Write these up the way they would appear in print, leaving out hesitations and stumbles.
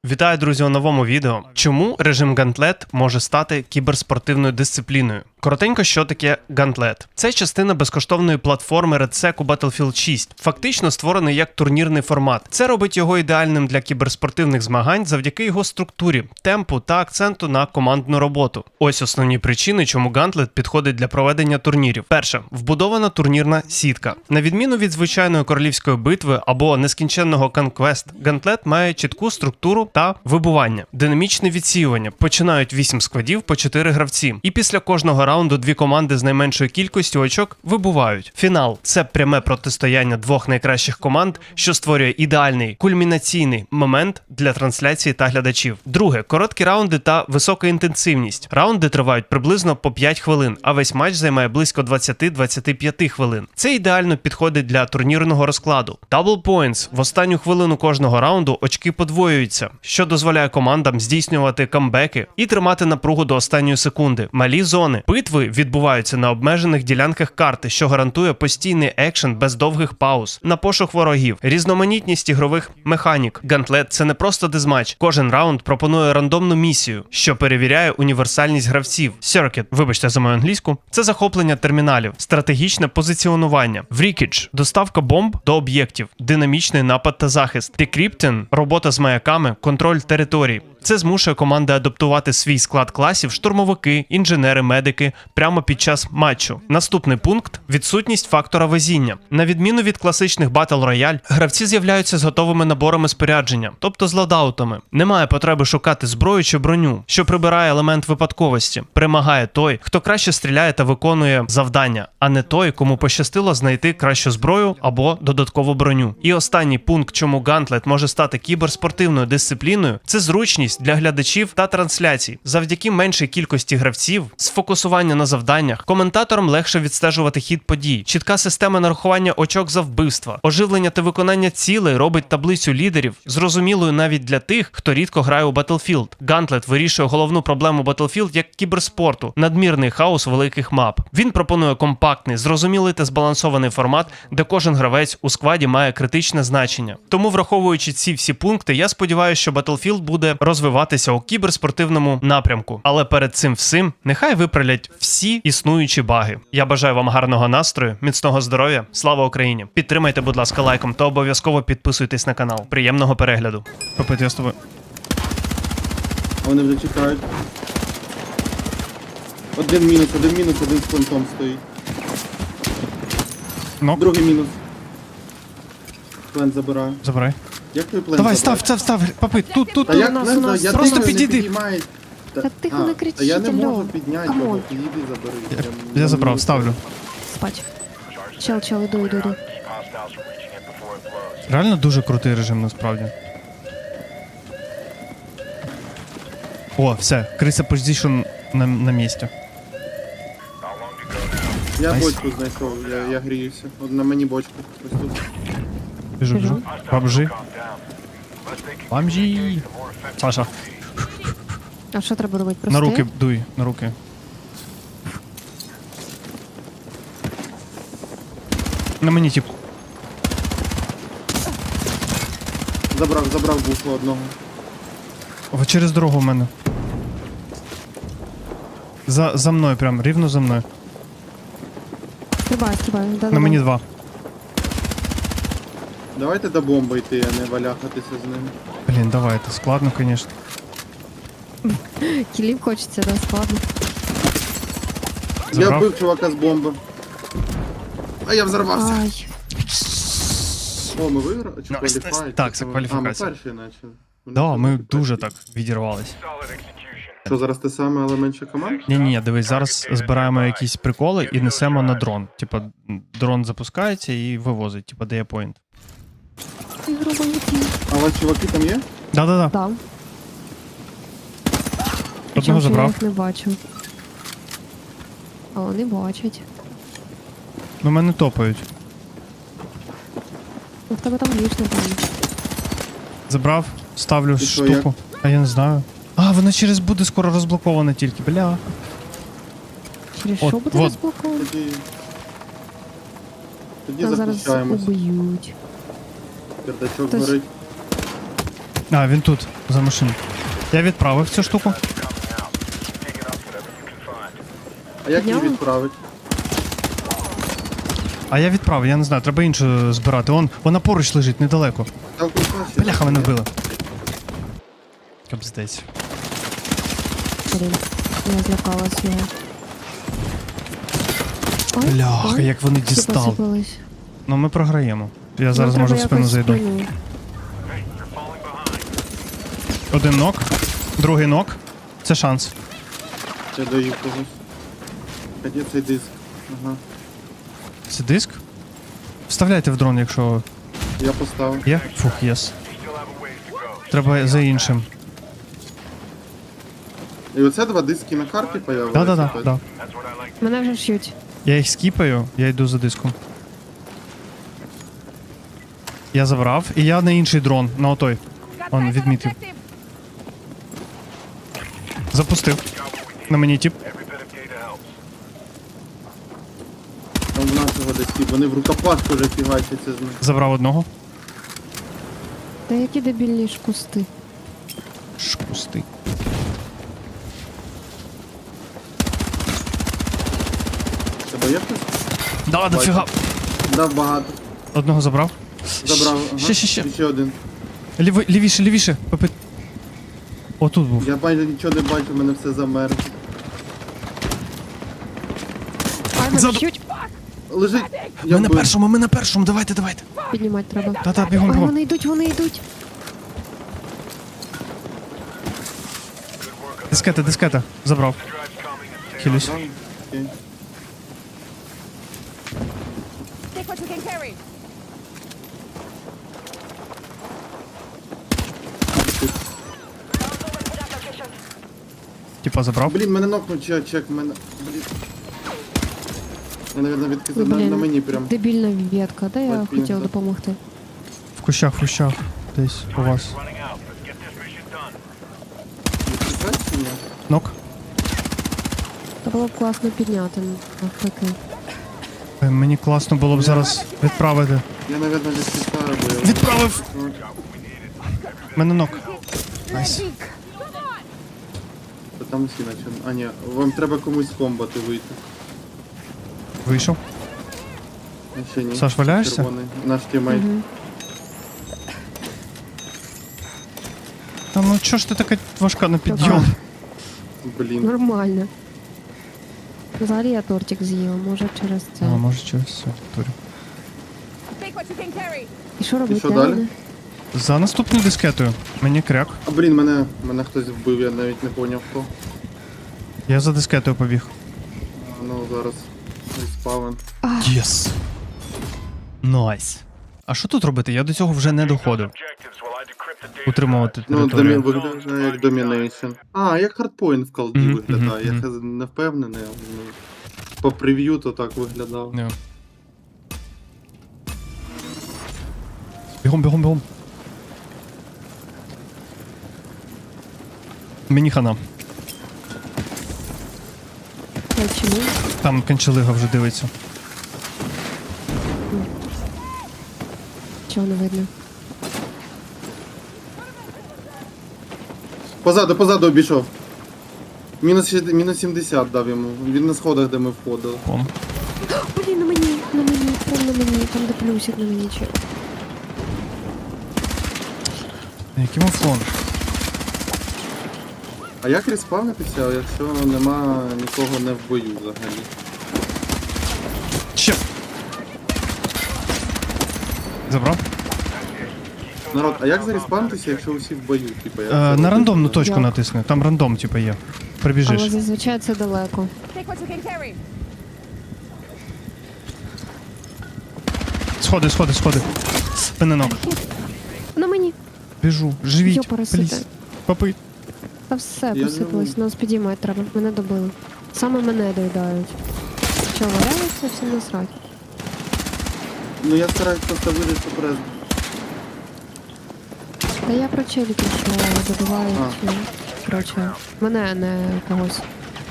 Вітаю, друзі, у новому відео. Чому режим Гантлет може стати кіберспортивною дисципліною? Коротенько, що таке Гантлет? Це частина безкоштовної платформи RedSec у Battlefield 6, фактично створений як турнірний формат. Це робить його ідеальним для кіберспортивних змагань завдяки його структурі, темпу та акценту на командну роботу. Ось основні причини, чому Гантлет підходить для проведення турнірів. Перше, вбудована турнірна сітка. На відміну від звичайної королівської битви або нескінченного Conquest, Гантлет має чітку структуру та вибування. Динамічне відсіювання. Починають 8 складів по 4 гравці. І після кожного раунду дві команди з найменшою кількістю очок вибувають. Фінал – це пряме протистояння двох найкращих команд, що створює ідеальний кульмінаційний момент для трансляції та глядачів. Друге – короткі раунди та висока інтенсивність. Раунди тривають приблизно по 5 хвилин, а весь матч займає близько 20-25 хвилин. Це ідеально підходить для турнірного розкладу. Double points – в останню хвилину кожного раунду очки подвоюються, що дозволяє командам здійснювати камбеки і тримати напругу до останньої секунди. Малі зони. Битви відбуваються на обмежених ділянках карти, що гарантує постійний екшен без довгих пауз, на пошук ворогів, різноманітність ігрових механік. Гантлет – це не просто дезматч. Кожен раунд пропонує рандомну місію, що перевіряє універсальність гравців. Circuit, вибачте за мою англійську, це захоплення терміналів, стратегічне позиціонування, Wreckage – доставка бомб до об'єктів, динамічний напад та захист, Decrypting – робота з маяками, контроль територій. Це змушує команди адаптувати свій склад класів, штурмовики, інженери, медики прямо під час матчу. Наступний пункт – відсутність фактора везіння. На відміну від класичних Battle Royale, гравці з'являються з готовими наборами спорядження, тобто з лодаутами. Немає потреби шукати зброю чи броню, що прибирає елемент випадковості. Перемагає той, хто краще стріляє та виконує завдання, а не той, кому пощастило знайти кращу зброю або додаткову броню. І останній пункт, чому Гантлет може стати кіберспортивною дисципліною – це зручність для глядачів та трансляцій. Завдяки меншій кількості гравців, сфокусування на завданнях, коментаторам легше відстежувати хід подій. Чітка система нарахування очок за вбивства, оживлення та виконання цілей робить таблицю лідерів зрозумілою навіть для тих, хто рідко грає у Battlefield. Гантлет вирішує головну проблему Battlefield як кіберспорту – надмірний хаос великих мап. Він пропонує компактний, зрозумілий та збалансований формат, де кожен гравець у складі має критичне значення. Тому, враховуючи ці всі пункти, я сподіваюся, що Battlefield буде розвиватися у кіберспортивному напрямку. Але перед цим всім нехай виправлять всі існуючі баги. Я бажаю вам гарного настрою, міцного здоров'я, слава Україні! Підтримайте, будь ласка, лайком та обов'язково підписуйтесь на канал. Приємного перегляду. Попит, я з тобою. Вони вже чекають. Один мінус, один з плентом стоїть. Нок. Другий мінус. Плент забираю. Забирай. Як твій плент Давай, забрати? став. Попит, тут. Та як нас, не у знаю, нас. я Просто думаю, не підійди. підіймають. Та тихо, не кричіть, Та я не можу алло. підняти Камон. його, підійди, забери. Я забрав, ставлю. Спать. Чел, іду. Реально дуже крутий режим, насправді. О, все, криса позиційн на місці. Я Найс. бочку знайшов, я гріюся. От на мені бочку. Ось тут. Біжу. Бомжі. Саша, А що треба робити? на Прости? руки дуй, на руки. На мені, тип. Забрав буфу одного. О, через дорогу в мене. За мною прям, рівно за мною. Стрибай. На мені 2. Давайте до бомби йти, а не валяхатися з ним. Блін, давай, це складно, звісно. Кілів хочеться, да, складно. Я Забрав? вбив чувака з бомби. А я взорвався. Ай, О, ми виграли? Чи Найс, кваліфай? найс. Так, це кваліфікація. А, ми перші начали. Да, ми дуже так відірвались. Що, зараз те саме, але менше команд? Ні, дивись, зараз збираємо якісь приколи і несемо на дрон. Типа, дрон запускається і вивозить, типа, дає поінт. ти грубо летів. А у вас чуваки там є? Да. Да. Одного Причому, що я забрав. їх не бачу. А вони бачать. Ну, мене топають. Ну, в тебе там ліж, напевно. Забрав, ставлю І що, штуку. А я не знаю. А, вона через буде скоро розблокована тільки, бля. Через От, що буде вот. розблоковано? Тоді Нас зараз захищаємось. уб'ють. Пердачок Хтось- горить. А, він тут, за машиною. Я відправив цю штуку. А як її Підняли? відправить? А я відправив, я не знаю, треба іншу збирати. Вона поруч лежить, недалеко. Там кулька ще. Бляха, мене вбили. Капздець. Блін, я злякалась його. Ой, Бляха, ой, як вони всі дістали. посипались. Ну ми програємо. Я зараз Нам можу в треба спину якось зайду. спину. Один нок, другий нок. Це шанс. Я даю когось. А де цей диск? Ага. Це диск? Вставляйте в дрон, якщо Я поставив. є. Фух, єс. Треба за іншим. І оце два диски на карті появилися. Да. Мене вже ш'ють. Я їх скіпаю, я йду за диском. Я забрав, і я на інший дрон, на отой. Он відмітив. Запустив. На мені тип. Там в нашого десь ті, вони в рукопашку вже фігачаться з них. Забрав одного. Та які дебільні ж кусти. Шкусти. Тебе є хтось? Да, дофіга. Дав багато. Одного забрав. Забрав. Ага. Ще. І ще один. Лівіше. Попит. Отут був. Я майже нічого не бачу, в мене все замерло. Ай, мене Ззаду. ш'ють. Лежить. Я Ми на вбив. першому, давайте. Піднімати треба. Та, бігом. Ой, вони йдуть. Дискета. Забрав. Хилюсь. Да, окей. Take what you can carry. Типа забрав. Блін, мене нокнув чек, мене. Блін. Я, наверное, відкидав на Блін, мені прям. дебільна ветка, да я Ой, хотіла да. допомогти. В кущах. Десь у вас. Відкидати чи ні? Нок. Та було б класно підняти навпаки. Мені класно було б зараз відправити. Я, наверное, десь підставив, бо я... Відправив! Мене нок. Найс. Та там усі наче. А ні, вам треба комусь комбати вийти. Вийшов. А ще ні. Саш, валяєшся? Червоний. Наш тімейт. Угу. Та ну чого ж ти така важка на підйом? Блін. Нормально. Взагалі я тортик з'їла, може через це. А, може через все, турю. Take what you can carry. І що робити? що далі? Мене? За наступною дискетою. Мені кряк. А блін, мене хтось вбив, я навіть не поняв хто. Я за дискетою побіг. А, ну зараз респавен. Єс. Найс. А що тут робити? Я до цього вже не доходив. Утримувати Ну, територію. виглядає як домінейшн. А, як хардпоінт в колді Мгм, виглядає. мгм, Я не впевнений, але ну, по прев'ю то так виглядав. Не. Бігом. Мені хана. Ой, чому? Там канчелига вже дивиться. Чого не видно? Позаду обійшов. Мінус 70 дав йому. Він на сходах, де ми входили. Вон. Блін, на мені, прям на мені, там де плюсик на мені чи. Який муфлон? А як респавнитися, якщо нема нікого не в бою взагалі? Ще. Забрав? Народ, а як зареспавнитися, якщо усі в бою? Типа, як це На робити? рандомну точку Як? натисни. Там рандом, типу, є. Але Прибіжиш. зазвичай це далеко. Take what you can carry. Сходи. Пененок. На мені. Біжу. Живіть. Йопарасити. Пліз. Попий. Та все Я посипалось, не нас підіймати треба. Мене добили. Саме мене доїдають. Що, валяються, всім насрать. Ну я стараюсь просто вижити прес. Та я про челіків, що добивають. Коротше, мене, а не когось.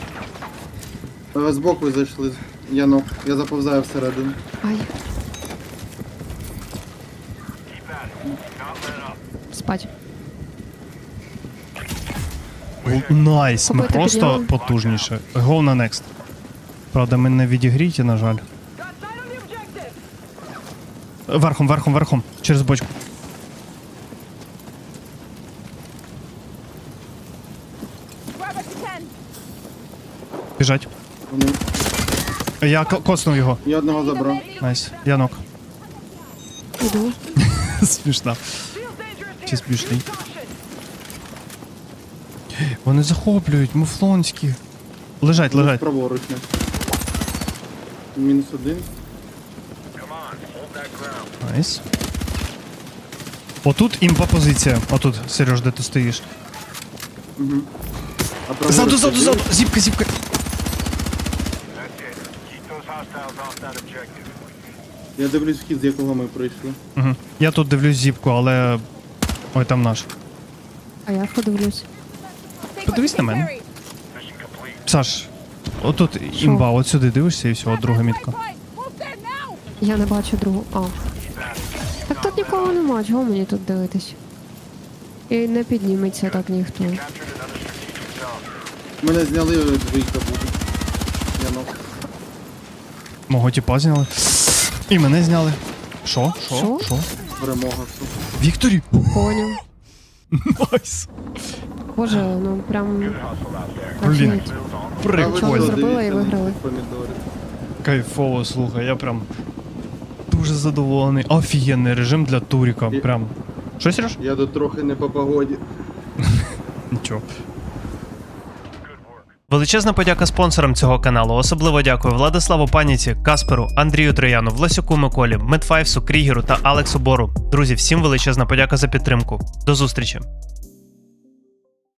Збоку зайшли. Я заповзаю всередину. Ай. Спать. Найс, ми Купити просто підняли. потужніше. Go на next. Правда, ми не відігріті, на жаль. Верхом, верхом, верхом. Через бочку. Grab what you can. Біжать. Вони- Я коснув його. Я одного забрав. Найс. Янок. Іду. Смішно. Чи смішний? Вони захоплюють, муфлонські. Лежать, лежать. Праворуч. не. Мінус один. Найс. Отут імпа позиція. Отут, Сереж, де ти стоїш. Угу. А праворуч Ззаду, ти ззаду, ззаду! дивишся? Зіпка, зіпка. Я дивлюсь вхід, з якого ми прийшли. Угу. Я тут дивлюсь зіпку, але. Ой, там наш. А я подивлюсь. Take what Подивись you на can мене. carry. Саш, отут імба, от сюди дивишся і все, от друга мітка. Right, move there now. Я не бачу другу. А. Так тут нікого нема, чого мені тут дивитись? І не підніметься так ніхто. Мене зняли двійка буде. Янок. Мого тіпа зняли. І мене зняли. Що? Що? Що? Що? Перемога. Вікторі! Поняв. Найс! Боже, ну прям... Блін. офігеть. Прикольно. зробила і виграли. Помідори. Кайфово, слухай, я прям дуже задоволений. Офігенний режим для туріка. І- Прям. Що, Сереж? Я тут трохи не по погоді. Нічого. Величезна подяка спонсорам цього каналу. Особливо дякую Владиславу Паніці, Касперу, Андрію Трояну, Власюку Миколі, Медфайвсу, Крігеру та Алексу Бору. Друзі, всім величезна подяка за підтримку. До зустрічі!